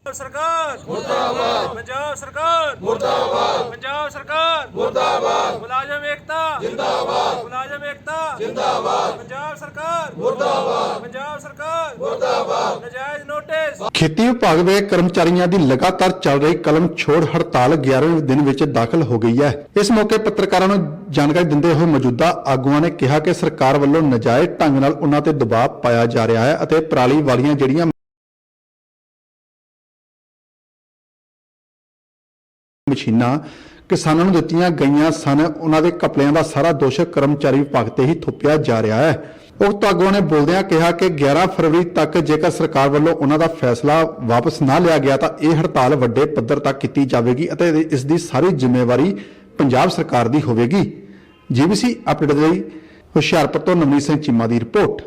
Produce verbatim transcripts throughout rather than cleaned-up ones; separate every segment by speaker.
Speaker 1: सरकार मुर्दाबाद, पंजाब सरकार मुर्दाबाद, पंजाब सरकार मुर्दाबाद, मुलाजम एकता जिंदाबाद, मुलाजम एकता जिंदाबाद, पंजाब सरकार मुर्दाबाद, पंजाब सरकार मुर्दाबाद, नजायज नोटिस।
Speaker 2: ਖੇਤੀ ਵਿਭਾਗ ਦੇ ਕਰਮਚਾਰੀਆਂ ਦੀ ਲਗਾਤਾਰ ਚੱਲ ਰਹੀ ਕਲਮ ਛੋੜ ਹੜਤਾਲ ਗਿਆਰਵੇਂ ਦਿਨ ਵਿੱਚ ਦਾਖਲ ਹੋ ਗਈ ਹੈ। ਇਸ ਮੌਕੇ ਪੱਤਰਕਾਰਾਂ ਨੂੰ ਜਾਣਕਾਰੀ ਦਿੰਦੇ ਹੋਏ ਮੌਜੂਦਾ ਆਗੂਆਂ ਨੇ ਕਿਹਾ ਕਿ ਸਰਕਾਰ ਵੱਲੋਂ ਨਜਾਇਜ਼ ਢੰਗ ਨਾਲ ਉਨ੍ਹਾਂ ਤੇ ਦਬਾਅ ਪਾਇਆ ਜਾ ਰਿਹਾ ਹੈ ਅਤੇ ਪਰਾਲੀ ਵਾਲੀਆਂ ਜਿਹੜੀਆਂ ਮਸ਼ੀਨਾਂ ਕਿਸਾਨਾਂ ਨੂੰ ਦਿੱਤੀਆਂ ਗਈਆਂ ਸਨ ਉਹਨਾਂ ਦੇ ਘਪਲਿਆਂ ਦਾ ਸਾਰਾ ਦੋਸ਼ ਕਰਮਚਾਰੀ ਵਿਭਾਗ ਤੇ ਹੀ ਥੋਪਿਆ ਜਾ ਰਿਹਾ ਹੈ। ਉਕਤ ਆਗੂਆਂ ਨੇ ਬੋਲਦਿਆਂ ਕਿਹਾ ਕਿ ਗਿਆਰਾਂ ਫਰਵਰੀ ਤੱਕ ਜੇਕਰ ਸਰਕਾਰ ਵੱਲੋਂ ਉਹਨਾਂ ਦਾ ਫੈਸਲਾ ਵਾਪਸ ਨਾ ਲਿਆ ਗਿਆ ਤਾਂ ਇਹ ਹੜਤਾਲ ਵੱਡੇ ਪੱਧਰ ਤੱਕ ਕੀਤੀ ਜਾਵੇਗੀ ਅਤੇ ਇਸ ਦੀ ਸਾਰੀ ਜ਼ਿੰਮੇਵਾਰੀ ਪੰਜਾਬ ਸਰਕਾਰ ਦੀ ਹੋਵੇਗੀ। ਜੀਬੀਸੀ ਅਪਡੇਟ ਲਈ ਹੁਸ਼ਿਆਰਪੁਰ ਤੋਂ ਨਵਨੀਤ ਸਿੰਘ ਚੀਮਾ ਦੀ ਰਿਪੋਰਟ।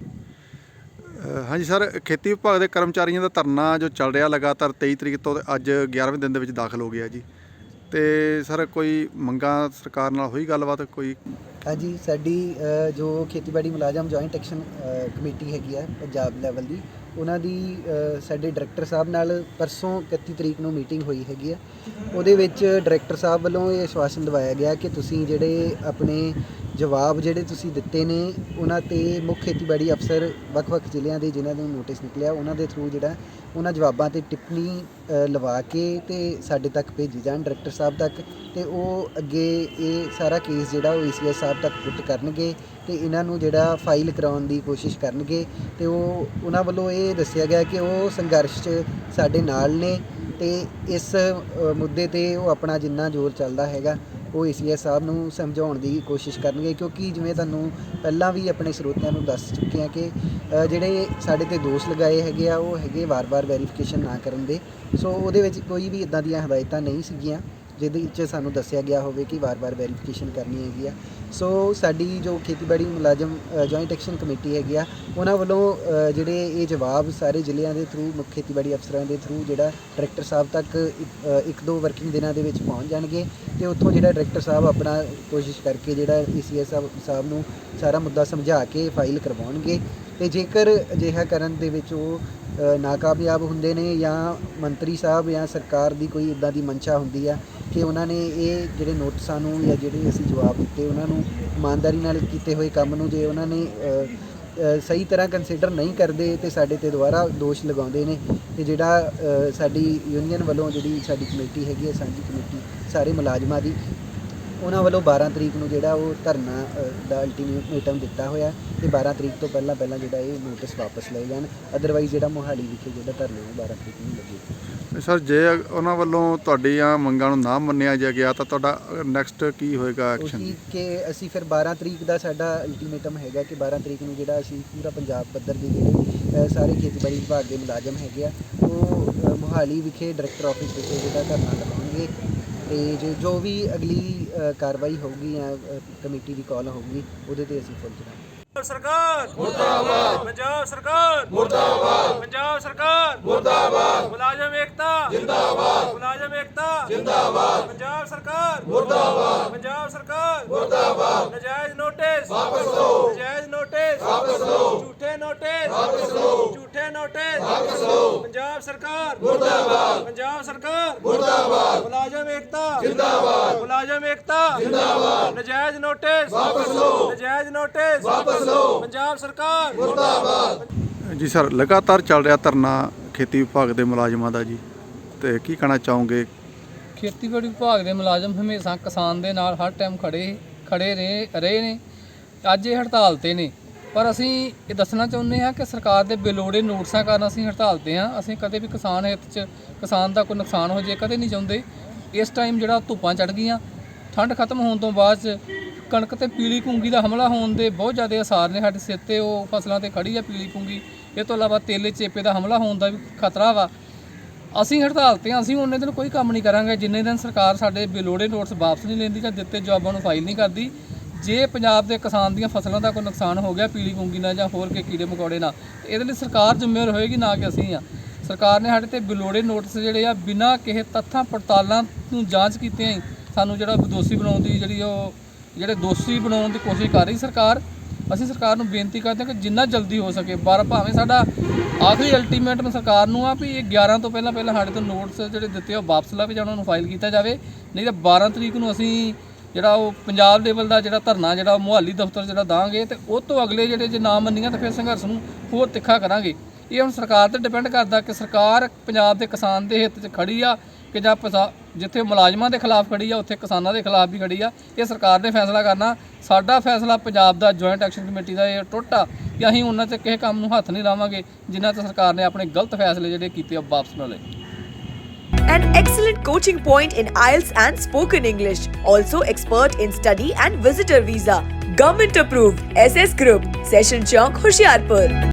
Speaker 2: ਹਾਂਜੀ ਸਰ, ਖੇਤੀ ਵਿਭਾਗ ਦੇ ਕਰਮਚਾਰੀਆਂ ਦਾ ਧਰਨਾ ਜੋ ਚੱਲ ਰਿਹਾ ਲਗਾਤਾਰ ਤੇਈ ਤਰੀਕ ਤੋਂ ਅੱਜ ਗਿਆਰਵੇਂ ਦਿਨ ਦੇ ਵਿੱਚ ਦਾਖਲ ਹੋ ਗਿਆ ਜੀ, ਤੇ ਸਰ ਕੋਈ ਮੰਗਾਂ ਸਰਕਾਰ ਨਾਲ ਹੋਈ ਗੱਲਬਾਤ ਕੋਈ?
Speaker 3: ਹਾਂਜੀ, ਸਾਡੀ ਜੋ ਖੇਤੀਬਾੜੀ ਮੁਲਾਜ਼ਮ ਜੁਆਇੰਟ ਐਕਸ਼ਨ ਕਮੇਟੀ ਹੈਗੀ ਹੈ ਪੰਜਾਬ ਲੈਵਲ ਦੀ, ਉਹਨਾਂ ਦੀ ਸਾਡੇ ਡਾਇਰੈਕਟਰ ਸਾਹਿਬ ਨਾਲ ਪਰਸੋਂ ਇਕੱਤੀ ਤਰੀਕ ਨੂੰ ਮੀਟਿੰਗ ਹੋਈ ਹੈਗੀ ਹੈ। ਉਹਦੇ ਵਿੱਚ ਡਾਇਰੈਕਟਰ ਸਾਹਿਬ ਵੱਲੋਂ ਇਹ ਆਸ਼ਵਾਸਨ ਦਿਵਾਇਆ ਗਿਆ ਕਿ ਤੁਸੀਂ ਜਿਹੜੇ ਆਪਣੇ ਜਵਾਬ ਜਿਹੜੇ ਤੁਸੀਂ ਦਿੱਤੇ ਨੇ ਉਹਨਾਂ 'ਤੇ ਮੁੱਖ ਖੇਤੀਬਾੜੀ ਅਫਸਰ ਵੱਖ-ਵੱਖ ਜ਼ਿਲ੍ਹਿਆਂ ਦੇ ਜਿਨ੍ਹਾਂ ਨੂੰ ਨੋਟਿਸ ਨਿਕਲਿਆ ਉਹਨਾਂ ਦੇ ਥਰੂ ਜਿਹੜਾ ਉਹਨਾਂ ਜਵਾਬਾਂ 'ਤੇ ਟਿੱਪਣੀ ਲਵਾ ਕੇ ਅਤੇ ਸਾਡੇ ਤੱਕ ਭੇਜੀ ਜਾਣ ਡਾਇਰੈਕਟਰ ਸਾਹਿਬ ਤੱਕ, ਅਤੇ ਉਹ ਅੱਗੇ ਇਹ ਸਾਰਾ ਕੇਸ ਜਿਹੜਾ ਉਹ ਏ ਸੀ ਐਸ ਸਾਹਿਬ ਤੱਕ ਪੁੱਟ ਕਰਨਗੇ ਅਤੇ ਇਹਨਾਂ ਨੂੰ ਜਿਹੜਾ ਫਾਈਲ ਕਰਾਉਣ ਦੀ ਕੋਸ਼ਿਸ਼ ਕਰਨਗੇ। ਅਤੇ ਉਹ ਉਹਨਾਂ ਵੱਲੋਂ ਇਹ ਦੱਸਿਆ ਗਿਆ ਕਿ ਉਹ ਸੰਘਰਸ਼ 'ਚ ਸਾਡੇ ਨਾਲ ਨੇ ਅਤੇ ਇਸ ਮੁੱਦੇ 'ਤੇ ਉਹ ਆਪਣਾ ਜਿੰਨਾ ਜ਼ੋਰ ਚੱਲਦਾ ਹੈਗਾ ਉਹ ਏ ਸੀ ਐਸ ਸਾਹਿਬ ਨੂੰ ਸਮਝਾਉਣ ਦੀ ਕੋਸ਼ਿਸ਼ ਕਰਨਗੇ, ਕਿਉਂਕਿ ਜਿਵੇਂ ਤੁਹਾਨੂੰ ਪਹਿਲਾਂ ਵੀ ਆਪਣੇ ਸਰੋਤਿਆਂ ਨੂੰ ਦੱਸ ਚੁੱਕੇ ਹਾਂ ਕਿ ਜਿਹੜੇ ਸਾਡੇ 'ਤੇ ਦੋਸ਼ ਲਗਾਏ ਹੈਗੇ ਆ ਉਹ ਹੈਗੇ ਵਾਰ-ਵਾਰ ਵੈਰੀਫਿਕੇਸ਼ਨ ਨਾ ਕਰਨ ਦੇ। ਸੋ ਉਹਦੇ ਵਿੱਚ ਕੋਈ ਵੀ ਇੱਦਾਂ ਦੀਆਂ ਹਦਾਇਤਾਂ ਨਹੀਂ ਸੀਗੀਆਂ ਜਿਹਦੇ ਵਿੱਚ ਸਾਨੂੰ ਦੱਸਿਆ ਗਿਆ ਹੋਵੇ ਕਿ ਵਾਰ-ਵਾਰ ਵੈਰੀਫਿਕੇਸ਼ਨ ਕਰਨੀ ਹੈਗੀ ਆ। ਸੋ ਸਾਡੀ ਜੋ ਖੇਤੀਬਾੜੀ ਮੁਲਾਜ਼ਮ ਜੁਆਇੰਟ ਐਕਸ਼ਨ ਕਮੇਟੀ ਹੈਗੀ ਆ ਉਹਨਾਂ ਵੱਲੋਂ ਜਿਹੜੇ ਇਹ ਜਵਾਬ ਸਾਰੇ ਜ਼ਿਲ੍ਹਿਆਂ ਦੇ ਥਰੂ ਮੁੱਖ ਖੇਤੀਬਾੜੀ ਅਫਸਰਾਂ ਦੇ ਥਰੂ ਜਿਹੜਾ ਡਾਇਰੈਕਟਰ ਸਾਹਿਬ ਤੱਕ ਇੱਕ ਦੋ ਵਰਕਿੰਗ ਦਿਨਾਂ ਦੇ ਵਿੱਚ ਪਹੁੰਚ ਜਾਣਗੇ ਅਤੇ ਉੱਥੋਂ ਜਿਹੜਾ ਡਾਇਰੈਕਟਰ ਸਾਹਿਬ ਆਪਣਾ ਕੋਸ਼ਿਸ਼ ਕਰਕੇ ਜਿਹੜਾ ਏ ਸੀ ਐਸ ਸਾਹਿਬ ਨੂੰ ਸਾਰਾ ਮੁੱਦਾ ਸਮਝਾ ਕੇ ਫਾਈਲ ਕਰਵਾਉਣਗੇ। ਅਤੇ ਜੇਕਰ ਅਜਿਹਾ ਕਰਨ ਦੇ ਵਿੱਚ ਉਹ ਨਾਕਾਮਯਾਬ ਹੁੰਦੇ ਨੇ ਜਾਂ ਮੰਤਰੀ ਸਾਹਿਬ ਜਾਂ ਸਰਕਾਰ ਦੀ ਕੋਈ ਇੱਦਾਂ ਦੀ ਮਨਸ਼ਾ ਹੁੰਦੀ ਆ ਕਿ ਉਹਨਾਂ ਨੇ ਇਹ ਜਿਹੜੇ ਨੋਟਿਸਾਂ ਨੂੰ ਜਾਂ ਜਿਹੜੇ ਅਸੀਂ ਜਵਾਬ ਦਿੱਤੇ ਉਹਨਾਂ ਨੂੰ ਇਮਾਨਦਾਰੀ ਨਾਲ ਕੀਤੇ ਹੋਏ ਕੰਮ ਨੂੰ ਜੇ ਉਹਨਾਂ ਨੇ ਸਹੀ ਤਰ੍ਹਾਂ ਕੰਸੀਡਰ ਨਹੀਂ ਕਰਦੇ ਅਤੇ ਸਾਡੇ 'ਤੇ ਦੁਬਾਰਾ ਦੋਸ਼ ਲਗਾਉਂਦੇ ਨੇ, ਅਤੇ ਜਿਹੜਾ ਸਾਡੀ ਯੂਨੀਅਨ ਵੱਲੋਂ ਜਿਹੜੀ ਸਾਡੀ ਕਮੇਟੀ ਹੈਗੀ ਹੈ ਸਾਂਝੀ ਕਮੇਟੀ ਸਾਰੇ ਮੁਲਾਜ਼ਮਾਂ ਦੀ, ਉਹਨਾਂ ਵੱਲੋਂ ਬਾਰਾਂ ਤਰੀਕ ਨੂੰ ਜਿਹੜਾ ਉਹ ਧਰਨਾ ਦਾ ਅਲਟੀਮੇਟਮ ਦਿੱਤਾ ਹੋਇਆ ਅਤੇ ਬਾਰਾਂ ਤਰੀਕ ਤੋਂ ਪਹਿਲਾਂ ਪਹਿਲਾਂ ਜਿਹੜਾ ਇਹ ਨੋਟਿਸ ਵਾਪਸ ਲਏ ਜਾਣ, ਅਦਰਵਾਈਜ਼ ਜਿਹੜਾ ਮੋਹਾਲੀ ਵਿਖੇ ਜਿਹੜਾ ਧਰਨਾ ਉਹ ਬਾਰਾਂ ਤਰੀਕ ਨੂੰ ਲੱਗੇਗਾ।
Speaker 2: ਸਰ, ਜੇ ਉਹਨਾਂ ਵੱਲੋਂ ਤੁਹਾਡੀਆਂ ਮੰਗਾਂ ਨੂੰ ਨਾ ਮੰਨਿਆ ਜਾ ਗਿਆ ਤਾਂ ਤੁਹਾਡਾ ਨੈਕਸਟ ਕੀ ਹੋਏਗਾ ਐਕਸ਼ਨ?
Speaker 3: ਕਿ ਅਸੀਂ ਫਿਰ ਬਾਰਾਂ ਤਰੀਕ ਦਾ ਸਾਡਾ ਅਲਟੀਮੇਟਮ ਹੈਗਾ ਕਿ ਬਾਰਾਂ ਤਰੀਕ ਨੂੰ ਜਿਹੜਾ ਅਸੀਂ ਪੂਰਾ ਪੰਜਾਬ ਪੱਧਰ ਦੇ ਜਿਹੜੇ ਸਾਰੇ ਖੇਤੀਬਾੜੀ ਵਿਭਾਗ ਦੇ ਮੁਲਾਜ਼ਮ ਹੈਗੇ ਆ ਉਹ ਮੋਹਾਲੀ ਵਿਖੇ ਡਾਇਰੈਕਟਰ ਆਫਿਸ ਵਿਖੇ ਜਿਹੜਾ ਧਰਨਾ ਲਗਾਉਣਗੇ, ਅਤੇ ਜੇ ਜੋ ਵੀ ਅਗਲੀ ਕਾਰਵਾਈ ਹੋਊਗੀ ਜਾਂ ਕਮੇਟੀ ਦੀ ਕਾਲ ਹੋਊਗੀ ਉਹਦੇ 'ਤੇ ਅਸੀਂ ਫੁੱਲ ਚੜਾਂਗੇ।
Speaker 1: सरकार मुर्दाबाद, पंजाब सरकार मुर्दाबाद, पंजाब सरकार मुर्दाबाद, मुलाजम एकता जिंदाबाद, मुलाजम एकता जिंदाबाद, पंजाब सरकार मुर्दाबाद, पंजाब सरकार मुर्दाबाद, नजायज नोटिस वापस लो, नजायज नोटिस वापस लो, झूठे नोटिस वापस लो, झूठे नोटिस वापस लो, पंजाब सरकार मुर्दाबाद, पंजाब सरकार मुर्दाबाद, मुलाजम एकता जिंदाबाद, मुलाजम एकता जिंदाबाद, नजायज नोटिस वापस लो, नजायज नोटिस वापस ਪੰਜਾਬ ਸਰਕਾਰ ਮੁਰਦਾਬਾਦ।
Speaker 2: ਜੀ ਸਰ, ਲਗਾਤਾਰ ਚੱਲ ਰਿਹਾ ਧਰਨਾ ਖੇਤੀ ਵਿਭਾਗ ਦੇ ਮੁਲਾਜ਼ਮਾਂ ਦਾ ਜੀ, ਤੇ ਕੀ ਕਹਿਣਾ ਚਾਹੋਗੇ?
Speaker 4: ਖੇਤੀਬਾੜੀ ਵਿਭਾਗ ਦੇ ਮੁਲਾਜ਼ਮ ਹਮੇਸ਼ਾ ਕਿਸਾਨ ਦੇ ਨਾਲ ਹਰ ਟਾਈਮ ਖੜੇ ਖੜੇ ਰਹੇ ਰਹੇ ਨੇ। ਅੱਜ ਇਹ ਹੜਤਾਲ 'ਤੇ ਨੇ, ਪਰ ਅਸੀਂ ਇਹ ਦੱਸਣਾ ਚਾਹੁੰਦੇ ਹਾਂ ਕਿ ਸਰਕਾਰ ਦੇ ਬੇਲੋੜੇ ਨੋਟਿਸਾਂ ਕਾਰਨ ਅਸੀਂ ਹੜਤਾਲ 'ਤੇ ਹਾਂ। ਅਸੀਂ ਕਦੇ ਵੀ ਕਿਸਾਨ ਹਿੱਤ 'ਚ ਕਿਸਾਨ ਦਾ ਕੋਈ ਨੁਕਸਾਨ ਹੋ ਜਾਏ ਕਦੇ ਨਹੀਂ ਚਾਹੁੰਦੇ। ਇਸ ਟਾਈਮ ਜਿਹੜਾ ਧੁੱਪਾਂ ਚੜ੍ਹ ਗਈਆਂ, ਠੰਡ ਖਤਮ ਹੋਣ ਤੋਂ ਬਾਅਦ 'ਚ ਕਣਕ 'ਤੇ ਪੀਲੀ ਪੁੰਗੀ ਦਾ ਹਮਲਾ ਹੋਣ ਦੇ ਬਹੁਤ ਜ਼ਿਆਦਾ ਅਸਾਰ ਨੇ ਸਾਡੇ ਸਿਰ 'ਤੇ। ਉਹ ਫਸਲਾਂ 'ਤੇ ਖੜੀ ਆ ਪੀਲੀ ਪੁੰਗੀ। ਇਹ ਤੋਂ ਇਲਾਵਾ ਤੇਲੇ ਚੇਪੇ ਦਾ ਹਮਲਾ ਹੋਣ ਦਾ ਵੀ ਖਤਰਾ ਵਾ। ਅਸੀਂ ਹੜਤਾਲ 'ਤੇ ਹਾਂ, ਅਸੀਂ ਉਨੇ ਦਿਨ ਕੋਈ ਕੰਮ ਨਹੀਂ ਕਰਾਂਗੇ ਜਿੰਨੇ ਦਿਨ ਸਰਕਾਰ ਸਾਡੇ ਬੇਲੋੜੇ ਨੋਟਿਸ ਵਾਪਸ ਨਹੀਂ ਲੈਂਦੀ ਜਾਂ ਦਿੱਤੇ ਜਵਾਬਾਂ ਨੂੰ ਫਾਈਲ ਨਹੀਂ ਕਰਦੀ। ਜੇ ਪੰਜਾਬ ਦੇ ਕਿਸਾਨ ਦੀਆਂ ਫਸਲਾਂ ਦਾ ਕੋਈ ਨੁਕਸਾਨ ਹੋ ਗਿਆ ਪੀਲੀ ਪੁੰਗੀ ਨਾਲ ਜਾਂ ਹੋਰ ਕੇ ਕੀੜੇ ਮਕੌੜੇ ਨਾਲ, ਇਹਦੇ ਲਈ ਸਰਕਾਰ ਜ਼ਿੰਮੇਵਾਰ ਹੋਏਗੀ, ਨਾ ਕਿ ਅਸੀਂ ਆ। ਸਰਕਾਰ ਨੇ ਸਾਡੇ 'ਤੇ ਬੇਲੋੜੇ ਨੋਟਿਸ ਜਿਹੜੇ ਆ ਬਿਨਾਂ ਕਿਸੇ ਤੱਥਾਂ ਪੜਤਾਲਾਂ ਨੂੰ ਜਾਂਚ ਕੀਤਿਆਂ ਹੀ ਸਾਨੂੰ ਜਿਹੜਾ ਦੋਸ਼ੀ ਬਣਾਉਣ ਦੀ ਜਿਹੜੀ ਉਹ ਜਿਹੜੇ ਦੋਸ਼ੀ ਬਣਾਉਣ ਦੀ ਕੋਸ਼ਿਸ਼ ਕਰ ਰਹੀ ਸਰਕਾਰ। ਅਸੀਂ ਸਰਕਾਰ ਨੂੰ ਬੇਨਤੀ ਕਰਦੇ ਹਾਂ ਕਿ ਜਿੰਨਾ ਜਲਦੀ ਹੋ ਸਕੇ, ਬਾਰ ਭਾਵੇਂ ਸਾਡਾ ਆਖਰੀ ਅਲਟੀਮੇਟਮ ਸਰਕਾਰ ਨੂੰ ਆ ਵੀ ਇਹ ਗਿਆਰਾਂ ਤੋਂ ਪਹਿਲਾਂ ਪਹਿਲਾਂ ਸਾਡੇ ਤੋਂ ਨੋਟਸ ਜਿਹੜੇ ਦਿੱਤੇ ਆ ਉਹ ਵਾਪਸ ਲਵੇ ਜਾਂ ਉਹਨਾਂ ਨੂੰ ਫਾਈਲ ਕੀਤਾ ਜਾਵੇ, ਨਹੀਂ ਤਾਂ ਬਾਰਾਂ ਤਰੀਕ ਨੂੰ ਅਸੀਂ ਜਿਹੜਾ ਉਹ ਪੰਜਾਬ ਲੈਵਲ ਦਾ ਜਿਹੜਾ ਧਰਨਾ ਜਿਹੜਾ ਮੁਹਾਲੀ ਦਫ਼ਤਰ ਜਿਹੜਾ ਦਾਂਗੇ ਤੇ ਉਹ ਤੋਂ ਅਗਲੇ ਜਿਹੜੇ ਜੇ ਨਾ ਮੰਨੀਆਂ ਤਾਂ ਫਿਰ ਸੰਘਰਸ਼ ਨੂੰ ਹੋਰ ਤਿੱਖਾ ਕਰਾਂਗੇ। ਇਹ ਹੁਣ ਸਰਕਾਰ ਤੇ ਡਿਪੈਂਡ ਕਰਦਾ ਕਿ ਸਰਕਾਰ ਪੰਜਾਬ ਦੇ ਕਿਸਾਨ ਦੇ ਹਿੱਤ 'ਚ ਖੜੀ ਆ ਕਿ ਜਾਂ ਪਸਾ ਜਿੱਥੇ ਮੁਲਾਜ਼ਮਾਂ ਦੇ ਖਿਲਾਫ ਖੜੀ ਆ ਉੱਥੇ ਕਿਸਾਨਾਂ ਦੇ ਖਿਲਾਫ ਵੀ ਖੜੀ ਆ। ਇਹ ਸਰਕਾਰ ਨੇ ਫੈਸਲਾ ਕਰਨਾ। ਸਾਡਾ ਫੈਸਲਾ ਪੰਜਾਬ ਦਾ ਜੁਆਇੰਟ ਐਕਸ਼ਨ ਕਮੇਟੀ ਦਾ ਇਹ ਟੁੱਟ ਆ ਕਿ ਅਸੀਂ ਉਹਨਾਂ 'ਚ ਕਿਸੇ ਕੰਮ ਨੂੰ ਹੱਥ ਨਹੀਂ ਲਾਵਾਂਗੇ ਜਿਨ੍ਹਾਂ 'ਚ ਸਰਕਾਰ ਨੇ ਆਪਣੇ ਗਲਤ ਫੈਸਲੇ ਜਿਹੜੇ ਕੀਤੇ ਆ ਵਾਪਸ ਨਾ ਲਏ।
Speaker 5: An excellent coaching point in I E L T S and spoken English. Also expert in study and visitor visa. Government approved. S S Group. Session Chowk, Hoshiarpur.